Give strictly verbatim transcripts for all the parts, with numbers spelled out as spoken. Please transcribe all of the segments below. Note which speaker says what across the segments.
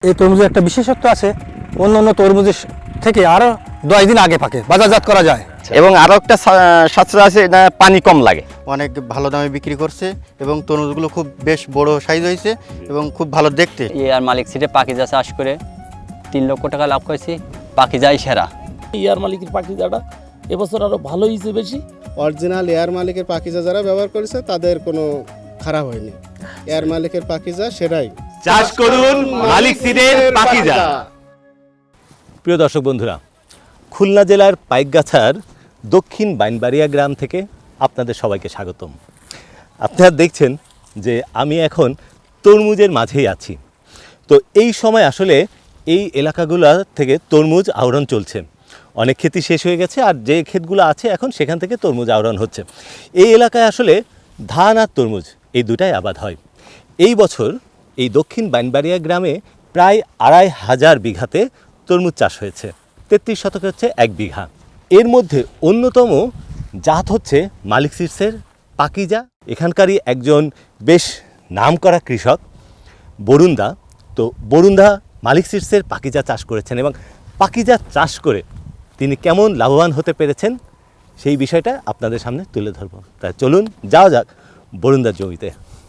Speaker 1: এই তরমুজের একটা বিশেষত্ব আছে, অন্য অন্য তরমুজের থেকে আরও দশ দিন আগে পাকে, বাজারজাত করা যায়।
Speaker 2: এবং আরও একটা স্বাস্থ্য আছে, এটা পানি কম লাগে।
Speaker 3: অনেক ভালো দামে বিক্রি করছে এবং তরমুজগুলো খুব বেশ বড় সাইজ হয়েছে এবং খুব ভালো দেখতে।
Speaker 4: ইয়ার মালিক সিটে পাখিজা চাষ করে তিন লক্ষ টাকা লাভ করেছি। পাখিজাই সেরা।
Speaker 5: ইয়ার মালিকের পাখিজাটা এবছর আরও ভালো হয়েছে বেশি।
Speaker 6: অরিজিনাল এয়ার মালিকের পাখিজা যারা ব্যবহার করেছে তাদের কোনো খারাপ হয়নি। এয়ার মালিকের পাখিজা সেটাই
Speaker 7: চাষ করুন মালিক সিডের পাখিজা। প্রিয় দর্শক বন্ধুরা, খুলনা জেলার পাইকগাছার দক্ষিণ বাইনবাড়িয়া গ্রাম থেকে আপনাদের সবাইকে স্বাগতম। আপনারা দেখছেন যে আমি এখন তরমুজের মাঝেই আছি। তো এই সময় আসলে এই এলাকাগুলো থেকে তরমুজ আহরণ চলছে। অনেক ক্ষেতই শেষ হয়ে গেছে, আর যে ক্ষেতগুলো আছে এখন সেখান থেকে তরমুজ আহরণ হচ্ছে। এই এলাকায় আসলে ধান আর তরমুজ এই দুটাই আবাদ হয়। এই বছর এই দক্ষিণ বাইনবাড়িয়া গ্রামে প্রায় আড়াই হাজার বিঘাতে তরমুজ চাষ হয়েছে। তেত্রিশ শতকে হচ্ছে এক বিঘা। এর মধ্যে অন্যতম জাত হচ্ছে মালিক সিডসের পাখিজা। এখানকারই একজন বেশ নামকরা কৃষক বরুণদা। তো বরুণদা মালিক সিডসের পাখিজা চাষ করেছেন এবং পাখিজা চাষ করে তিনি কেমন লাভবান হতে পেরেছেন সেই বিষয়টা আপনাদের সামনে তুলে ধরব। তাই চলুন যাওয়া যাক বরুণদার জমিতে।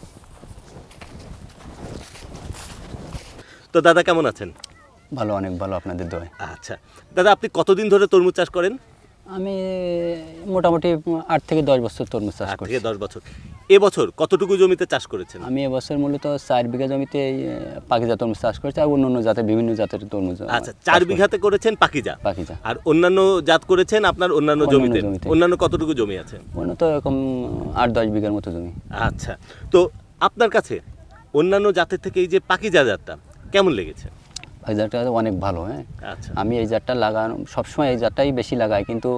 Speaker 7: তো দাদা কেমন আছেন?
Speaker 4: ভালো, অনেক ভালো আপনাদের দোয়ায়।
Speaker 7: আচ্ছা দাদা, আপনি কতদিন ধরে তরমুজ চাষ করেন?
Speaker 4: আমি মোটামুটি আট থেকে দশ বছর তরমুজ চাষ
Speaker 7: আট
Speaker 4: করি।
Speaker 7: থেকে দশ বছর। এবছর কতটুকু জমিতে চাষ করেছেন?
Speaker 4: আমি এবছর মূলত চার বিঘা জমিতে এই পাখিজা তরমুজ চাষ করেছি, আর অন্য অন্য জাতের বিভিন্ন জাতের তরমুজ।
Speaker 7: আচ্ছা, চার বিঘাতে করেছেন পাখিজা,
Speaker 4: পাখিজা।
Speaker 7: আর অন্যান্য জাত করেছেন আপনার অন্যান্য
Speaker 4: অন্যান্য
Speaker 7: জমিতে।
Speaker 4: জমিতে।
Speaker 7: অন্যান্য কতটুকু জমি আছে?
Speaker 4: অন্য তো এরকম আট দশ বিঘার মতো জমি।
Speaker 7: আচ্ছা, তো আপনার কাছে অন্যান্য জাতের থেকে এই যে পাখিজা জাতটা কেমন লেগেছে?
Speaker 4: পাখিজাটা অনেক ভালো। হ্যাঁ,
Speaker 7: আচ্ছা,
Speaker 4: আমি এই জাতটা লাগানো সবসময় এই জাতটাই বেশি লাগাই, কিন্তু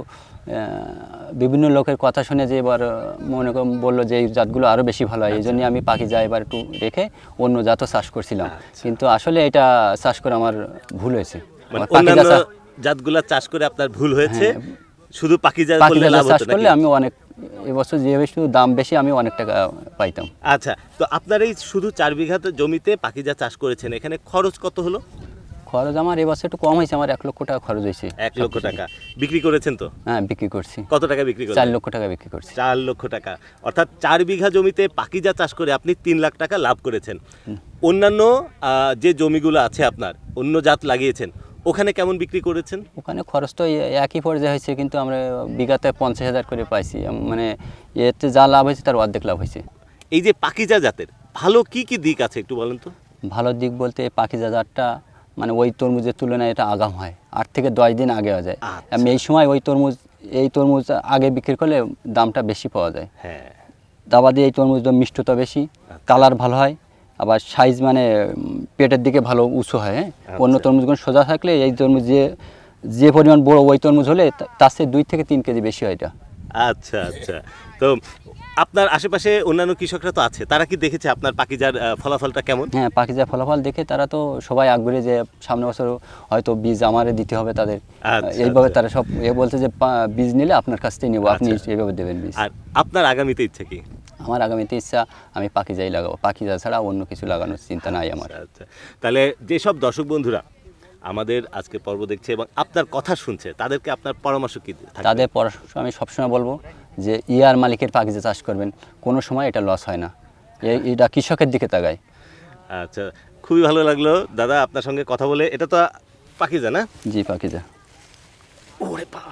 Speaker 4: বিভিন্ন লোকের কথা শুনে যে এবার মনে করেন বললো যে এই জাতগুলো আরও বেশি ভালো হয়, এই জন্যই আমি পাখিজা এবার একটু রেখে অন্য জাতও চাষ করছিলাম। কিন্তু আসলে এটা চাষ করে আমার ভুল হয়েছে।
Speaker 7: মানে অন্যান্য জাতগুলা চাষ করে আপনার ভুল হয়েছে, শুধু পাখিজা করলে লাভ
Speaker 4: চাষ
Speaker 7: হতো
Speaker 4: করলে
Speaker 7: নাকি?
Speaker 4: আমি অনেক এবছর যে একটু দাম বেশি, আমি অনেক টাকা পাইতাম।
Speaker 7: আচ্ছা, তো আপনার এই শুধু চার বিঘাতে জমিতে পাখিজা চাষ করেছেন, এখানে খরচ কত হলো?
Speaker 4: খরচ আমার এবছর একটু কম হয়েছে, আমার এক লক্ষ টাকা খরচ হয়েছে।
Speaker 7: এক লক্ষ টাকা বিক্রি করেছেন তো?
Speaker 4: হ্যাঁ, বিক্রি করছি।
Speaker 7: কত টাকা বিক্রি করেছেন?
Speaker 4: চার লক্ষ টাকা বিক্রি করছি।
Speaker 7: চার লক্ষ টাকা, অর্থাৎ চার বিঘা জমিতে পাখিজা চাষ করে আপনি তিন লাখ টাকা লাভ করেছেন। অন্যান্য আহ, যে জমিগুলো আছে আপনার, অন্য জাত লাগিয়েছেন, ওখানে কেমন বিক্রি করেছেন?
Speaker 4: ওখানে খরচ তো একই পর্যায়ে হয়েছে, কিন্তু আমরা বিঘাতে পঞ্চাশ হাজার করে পাইছি। মানে এতে যা লাভ হয়েছে তার অর্ধেক লাভ হয়েছে।
Speaker 7: এই যে পাখিজা জাতের ভালো কি কি দিক আছে একটু বলেন তো?
Speaker 4: ভালো দিক বলতে এই পাখিজা জাতটা মানে ওই তরমুজের তুলনায় এটা আগাম হয়, আট থেকে দশ দিন আগে হয়ে যায়।
Speaker 7: আচ্ছা।
Speaker 4: আমি এই সময় ওই তরমুজ এই তরমুজ আগে বিক্রি করলে দামটা বেশি পাওয়া যায়।
Speaker 7: হ্যাঁ,
Speaker 4: দাবা দিয়ে এই তরমুজটা মিষ্টতা বেশি, কালার ভালো হয়, আবার সাইজ মানে উম, পেটের দিকে ভালো উঁচু হয়। হ্যাঁ, অন্য তরমুজগুলো সোজা থাকলে এই তরমুজ যে যে পরিমাণ বড় ওই তরমুজ হলে তা- তার চেয়ে দুই থেকে তিন কেজি বেশি হয় এটা।
Speaker 7: আচ্ছা আচ্ছা। তো আপনার আশেপাশে অন্যান্য কৃষকরা তো আছে, তারা কি দেখেছে আপনার পাখিজার আহ, ফলাফলটা কেমন?
Speaker 4: হ্যাঁ, পাখিজা ফলাফল দেখে তারা তো সবাই আগ্রহী যে সামনে বছর হয়তো বীজ আমারে দিতে হবে তাদের।
Speaker 7: আচ্ছা,
Speaker 4: এইভাবে
Speaker 7: আচ্ছা।
Speaker 4: তারা সব এ বলছে যে পা- বীজ নিলে আপনার কাছ থেকে নেবো, আপনি
Speaker 7: আচ্ছা।
Speaker 4: এইভাবে দেবেন বীজ।
Speaker 7: আর আপনার আগামীতে ইচ্ছে কি?
Speaker 4: আমার আগামীতে ইচ্ছা আমি পাখিজাই লাগাবো, পাখিজা ছাড়া অন্য কিছু লাগানোর চিন্তা নাই আমার।
Speaker 7: আচ্ছা, তাহলে যেসব দর্শক বন্ধুরা আমাদের আজকে পর্ব দেখছে এবং আপনার কথা শুনছে, তাদেরকে আপনার পরামর্শ কি থাকবে?
Speaker 4: তাদের পরামর্শ আমি সবসময় বলবো যে ইয়ার মালিকের পাখিজা চাষ করবেন, কোনো সময় এটা লস হয় না। এই এটা কৃষকের দিকে তাকায়।
Speaker 7: আচ্ছা, খুবই ভালো লাগলো দাদা আপনার সঙ্গে কথা বলে। এটা তো পাখিজা না?
Speaker 4: জি, পাখিজা।
Speaker 7: ওরে বাবা,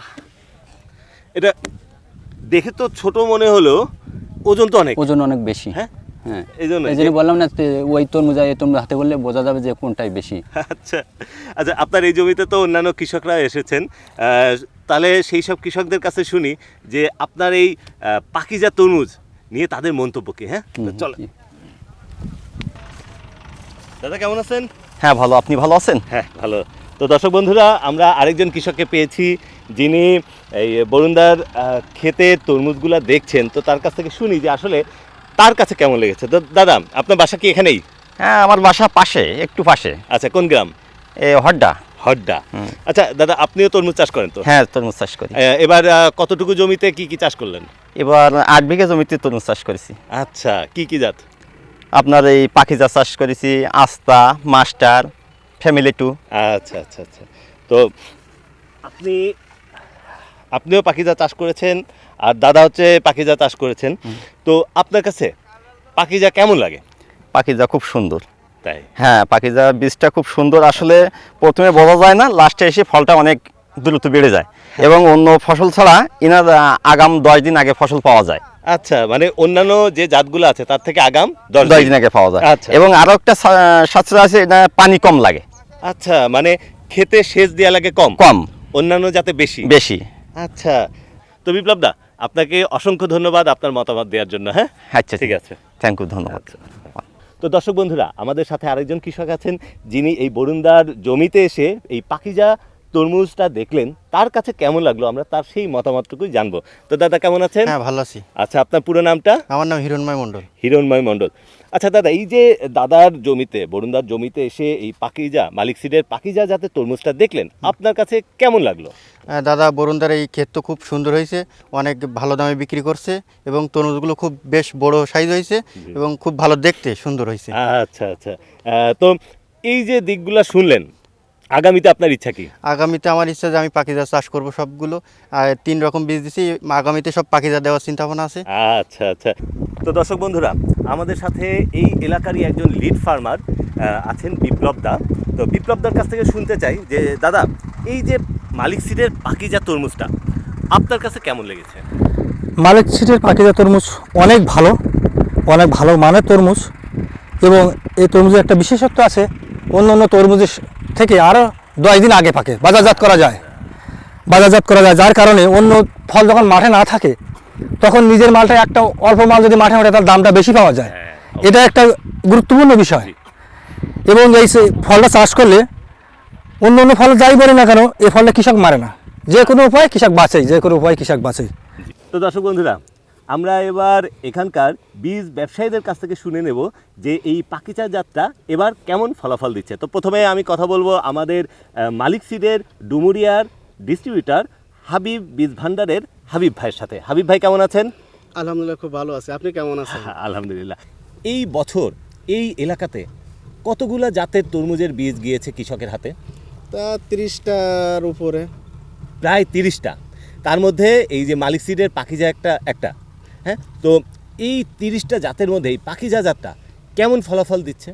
Speaker 7: এটা দেখে তো ছোট মনে হলো, ওজন তো অনেক।
Speaker 4: ওজন অনেক বেশি।
Speaker 7: হ্যাঁ,
Speaker 4: হ্যাঁ,
Speaker 7: এই জন্য
Speaker 4: এই জন্য বললাম না, তে- ওই তরমুজ আর এই তরমুজ হাতে বললে বোঝা যাবে যে কোনটাই বেশি।
Speaker 7: আচ্ছা আচ্ছা, আপনার এই জমিতে তো অন্যান্য কৃষকরা এসেছেন, আহ, তাহলে সেই সব কৃষকদের কাছে শুনি যে আপনার এই আহ, পাখিজা তরমুজ নিয়ে তাদের মন্তব্য কি। হ্যাঁ, তো
Speaker 4: হুম,
Speaker 7: চলো।
Speaker 4: জি।
Speaker 7: দাদা কেমন আছেন?
Speaker 2: হ্যাঁ ভালো, আপনি ভালো আছেন?
Speaker 7: হ্যাঁ ভালো। তো দর্শক বন্ধুরা, আমরা আরেকজন কৃষককে পেয়েছি যিনি এই বরুণদার আহ, ক্ষেতে তরমুজগুলা দেখছেন। তো তার কাছ থেকে শুনি যে আসলে তার কাছে কেমন লেগেছে। তো দাদা, আপনার বাসা কি এখানেই?
Speaker 2: হ্যাঁ, আমার বাসা পাশে, একটু পাশে,
Speaker 7: আচ্ছা, কোন গ্রাম?
Speaker 2: এ হড্ডা।
Speaker 7: হড্ডা। আচ্ছা দাদা, আপনিও তরমুজ চাষ করেন তো?
Speaker 2: হ্যাঁ, তরমুজ চাষ করি।
Speaker 7: আহ, এবার আহ, কতটুকু জমিতে কি কি চাষ করলেন?
Speaker 2: এবার আট বিঘা জমিতে তরমুজ চাষ করেছি।
Speaker 7: আচ্ছা, কি কি জাত?
Speaker 2: আপনার এই পাখিজা চাষ করেছি, আস্তা, মাস্টার, ফ্যামিলি টু।
Speaker 7: আচ্ছা আচ্ছা আচ্ছা। তো আপনি আপনিও পাখিজা চাষ করেছেন আর দাদা হচ্ছে পাখিজা চাষ করেছেন, তো আপনার কাছে পাখিজা কেমন লাগে?
Speaker 2: পাখিজা খুব সুন্দর।
Speaker 7: তাই?
Speaker 2: হ্যাঁ, পাখিজা বীজটা খুব সুন্দর। আসলে প্রথমে বোঝা যায় না, লাস্টে এসে ফলটা অনেক দ্রুত বেড়ে যায় এবং অন্য ফসল ছাড়া ইনার আহ, আগাম দশ দিন আগে ফসল পাওয়া যায়।
Speaker 7: আচ্ছা, মানে অন্যান্য যে জাতগুলো আছে তার থেকে আগাম দশ
Speaker 2: দশ
Speaker 7: দিন।
Speaker 2: দিন আগে পাওয়া যায়।
Speaker 7: আচ্ছা।
Speaker 2: এবং আরো একটা সা- সাশ্রয় আছে, এটা পানি কম লাগে।
Speaker 7: আচ্ছা, মানে খেতে সেচ দেওয়া লাগে কম
Speaker 2: কম
Speaker 7: অন্যান্য জাতে বেশি।
Speaker 2: বেশি।
Speaker 7: আচ্ছা, তো বিপ্লব দা আপনাকে অসংখ্য ধন্যবাদ আপনার মতামত দেওয়ার জন্য। হ্যাঁ,
Speaker 2: আচ্ছা,
Speaker 7: ঠিক আছে।
Speaker 2: থ্যাংক ইউ, ধন্যবাদ।
Speaker 7: তো দর্শক বন্ধুরা, আমাদের সাথে আরেকজন কৃষক আছেন যিনি এই বরুণদার জমিতে এসে এই পাখিজা তরমুজটা দেখলেন, তার কাছে কেমন লাগলো আমরা তার সেই মতামতটুকুই জানবো। তো দাদা কেমন আছেন?
Speaker 3: হ্যাঁ, ভালো আছি।
Speaker 7: আচ্ছা, আপনার পুরো নামটা?
Speaker 3: আমার নাম হিরণময় মণ্ডল।
Speaker 7: হিরণময় মণ্ডল। আচ্ছা দাদা, এই যে দাদার জমিতে বরুণদার জমিতে এসে এই পাখিজা মালিক সিডের পাখিজা জাতের তরমুজটা দেখলেন, আপনার কাছে কেমন লাগলো?
Speaker 3: আহ, দাদা বরুণদার এই ক্ষেত তো খুব সুন্দর হয়েছে, অনেক ভালো দামে বিক্রি করছে এবং তরমুজগুলো খুব বেশ বড় সাইজ হয়েছে এবং খুব ভালো দেখতে সুন্দর হয়েছে।
Speaker 7: আচ্ছা আচ্ছা। আহ, তো এই যে দিকগুলা শুনলেন, আগামীতে আপনার ইচ্ছা কি?
Speaker 3: আগামীতে আমার ইচ্ছা যে আমি পাখিজা চাষ করব সবগুলো, আর তিন রকম বীজ দিছি, আগামীতে সব পাখিজা দেওয়ার চিন্তা ভাবনা আছে।
Speaker 7: আচ্ছা আচ্ছা। তো দর্শক বন্ধুরা, আমাদের সাথে এই এলাকারই একজন লিড ফার্মার আছেন বিপ্লব দা। তো বিপ্লব দার কাছ থেকে শুনতে চাই যে দাদা, এই যে মালিক সিডের পাখিজা তরমুজটা আপনার কাছে কেমন লেগেছে?
Speaker 1: মালিক সিটের পাখিজা তরমুজ অনেক ভালো, অনেক ভালো মানের তরমুজ, এবং এই তরমুজের একটা বিশেষত্ব আছে, অন্য অন্য তরমুজের থেকে আরও দশ দিন আগে পাকে, বাজারজাত করা যায় বাজারজাত করা যায় যার কারণে অন্য ফল যখন মাঠে না থাকে তখন নিজের মালটা একটা অল্প মাল যদি মাঠে ওঠে তার দামটা বেশি পাওয়া যায়। এটা একটা গুরুত্বপূর্ণ বিষয়। এবং এই সে- ফলটা চাষ করলে অন্য অন্য ফল যাই বলে না কেন, এই ফলটা কৃষক মারে না, যে কোনো উপায় কৃষক বাঁচে, যে কোনো উপায় কৃষক বাঁচে।
Speaker 7: তো দর্শক বন্ধুরা, আমরা এবার এখানকার বীজ ব্যবসায়ীদের কাছ থেকে শুনে নেব যে এই পাখিজা জাতটা এবার কেমন ফলাফল দিচ্ছে। তো প্রথমে আমি কথা বলবো আমাদের আহ, মালিক সিডের ডুমুরিয়ার ডিস্ট্রিবিউটর হাবিব বীজ ভান্ডারের হাবিব ভাইয়ের সাথে। হাবিব ভাই কেমন আছেন?
Speaker 6: আলহামদুলিল্লাহ, খুব ভালো আছে। আপনি কেমন আছেন?
Speaker 7: আলহামদুলিল্লাহ। এই বছর এই এলাকাতে কতগুলা জাতের তরমুজের বীজ গিয়েছে কৃষকের হাতে?
Speaker 6: তা তিরিশটার উপরে।
Speaker 7: প্রায় তিরিশটা। তার মধ্যে এই যে মালিক সিডের পাখিজা একটা একটা হ্যাঁ, তো এই তিরিশটা জাতের মধ্যে এই পাখিজা জাতটা কেমন ফলাফল দিচ্ছে?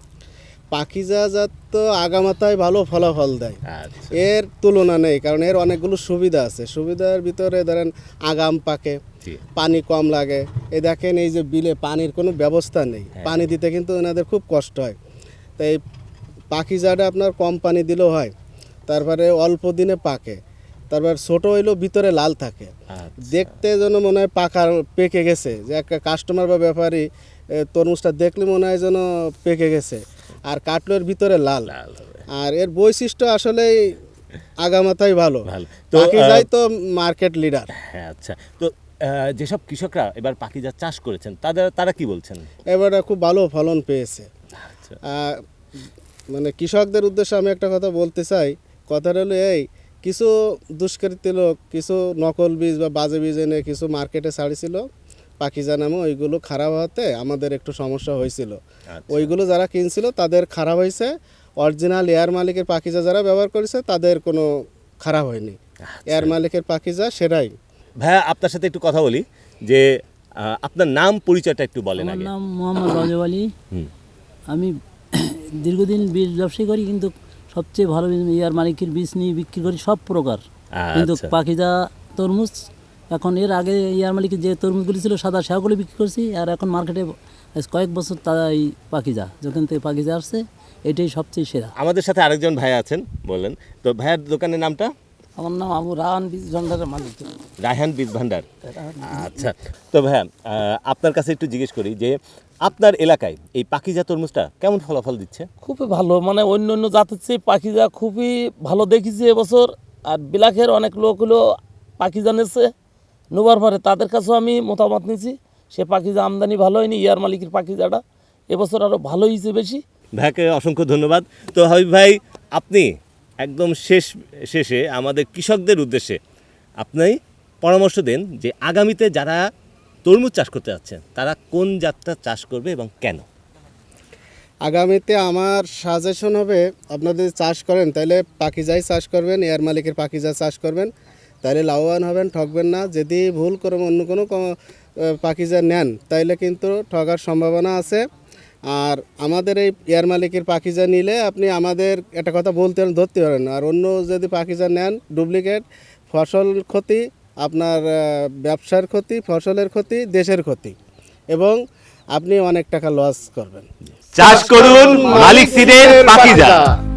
Speaker 6: পাখিজা জাত তো আগামাতায় ভালো ফলাফল দেয়,
Speaker 7: আচ্ছা।
Speaker 6: এর তুলনা নেই, কারণ এর অনেকগুলো সুবিধা আছে। সুবিধার ভিতরে ধরেন আগাম পাকে,
Speaker 7: জি।
Speaker 6: পানি কম লাগে। এই দেখেন এই যে বিলে পানির কোনো ব্যবস্থা নেই, পানি দিতে কিন্তু এনাদের খুব কষ্ট হয়। তাই পাখিজাটা আপনার কম পানি দিলেও হয়, তারপরে অল্প দিনে পাকে, তারপর ছোট হইলেও ভিতরে লাল থাকে, দেখতে যেন মনে হয় পাকা পেকে গেছে, যে একটা কাস্টমার বা ব্যাপারী এ, তরমুজটা দেখলে মনে হয় যেন পেকে গেছে, আর কাটলের ভিতরে লাল। আর এর বৈশিষ্ট্য আসলেই আগামাতাই ভালো।
Speaker 7: ভালো। তো,
Speaker 6: পাখিজাই
Speaker 7: আহ,
Speaker 6: তো মার্কেট লিডার।
Speaker 7: হ্যাঁ, আচ্ছা। তো আহ, যেসব কৃষকরা এবার পাখিজা চাষ করেছেন তাদের তারা কি বলছেন?
Speaker 6: এবারে খুব ভালো ফলন পেয়েছে।
Speaker 7: আচ্ছা।
Speaker 6: আহ, মানে কৃষকদের উদ্দেশ্যে আমি একটা কথা বলতে চাই। কথাটা হলো এই, কিছু দুষ্কৃতী লোক কিছু নকল বীজ বা বাজে বীজ এনে কিছু মার্কেটে ছাড়িছিল পাখিজা নামে, ওইগুলো খারাপ হতে আমাদের একটু সমস্যা হয়েছিল। ওইগুলো যারা কিনছিল তাদের খারাপ হয়েছে, অরিজিনাল এয়ার মালিকের পাখিজা যারা ব্যবহার করেছে তাদের কোনো খারাপ হয়নি। এয়ার মালিকের পাখিজা সেটাই।
Speaker 7: ভাইয়া, আপনার সাথে একটু কথা বলি যে আহ, আপনার নাম পরিচয়টা একটু বলেন
Speaker 8: আমার
Speaker 7: আগে।
Speaker 8: নাম মোহাম্মদ রজব আলী।
Speaker 7: হুম।
Speaker 8: আমি দীর্ঘদিন বীজ ব্যবসায়ী করি, কিন্তু সবচেয়ে ভালো বীজ ইয়ার মালিকের বীজ নিয়ে বিক্রি করি সব প্রকার। কিন্তু
Speaker 7: আচ্ছা।
Speaker 8: পাখিজা তরমুজ এখন, এর আগে ইয়ার মালিকের যে তরমুজগুলি ছিল সাদা, সেগুলো বিক্রি করছি। আর এখন মার্কেটে আজ কয়েক বছর তাই পাখিজা, যখন থেকে পাখিজা আসছে এটাই সবচেয়ে সেরা।
Speaker 7: আমাদের সাথে আরেকজন ভাই আছেন, বলেন তো ভাইয়ার দোকানের নামটা?
Speaker 8: আমার নাম আবু রাহান বীজ ভান্ডারের মালিক।
Speaker 7: রায়হান বীজ ভান্ডার। আচ্ছা। তো ভাইয়া, আহ, আপনার কাছে একটু জিজ্ঞেস করি যে আপনার এলাকায় এই পাখিজা তরমুজটা কেমন ফলাফল দিচ্ছে?
Speaker 5: খুবই ভালো, মানে অন্য অন্য জাতের চেয়ে পাখিজা খুবই ভালো দেখিছে এবছর। আর বিলাখের অনেক লোক হলো পাখিজা নিচ্ছে, নেবার পরে তাদের কাছেও আমি মতামত নিয়েছি, সে পাখিজা আমদানি ভালো হয়নি, ইয়ার মালিকের পাখিজাটা এবছর আরও ভালো হয়েছে বেশি।
Speaker 7: ভাইকে অসংখ্য ধন্যবাদ। তো হাবিব ভাই, আপনি একদম শেষ শেষে আমাদের কৃষকদের উদ্দেশ্যে আপনি পরামর্শ দেন যে আগামীতে যারা তরমুজ চাষ করতে যাচ্ছেন তারা কোন জাতটা চাষ করবে এবং কেন?
Speaker 6: আগামীতে আমার সাজেশন হবে, আপনাদের যদি চাষ করেন তাহলে পাখিজাই চাষ করবেন, এয়ার মালিকের পাখিজা চাষ করবেন, তাহলে লাভবান হবেন, ঠকবেন না। যদি ভুল করে অন্য কোনো ক- পাখিজা নেন তাইলে কিন্তু ঠকার সম্ভাবনা আছে। আর আমাদের এই এয়ার মালিকের পাখিজা নিলে আপনি আমাদের একটা কথা বলতে ধরতে পারেন, আর অন্য যদি পাখিজা নেন ডুপ্লিকেট, ফসল ক্ষতি, আপনার আহ, ব্যবসার ক্ষতি, ফসলের ক্ষতি, দেশের ক্ষতি, এবং আপনি অনেক টাকা লস করবেন।
Speaker 7: চাষ করুন মালিক সিডের পাখিজা।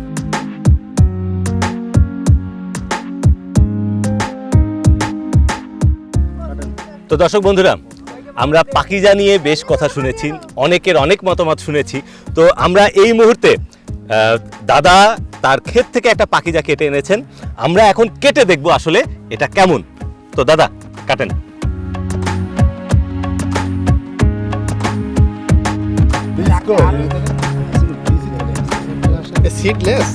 Speaker 7: তো দর্শক বন্ধুরা, আমরা পাখিজা নিয়ে বেশ কথা শুনেছি, অনেকের অনেক মতামত শুনেছি। তো আমরা এই মুহূর্তে আহ, দাদা তার ক্ষেত থেকে একটা পাখিজা কেটে এনেছেন, আমরা এখন কেটে দেখব আসলে এটা কেমন। তো দাদা কাটেন।
Speaker 6: সিডলেস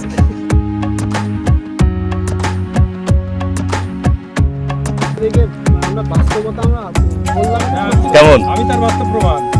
Speaker 7: কেমন?
Speaker 1: আমি তার বাস্তব প্রমাণ।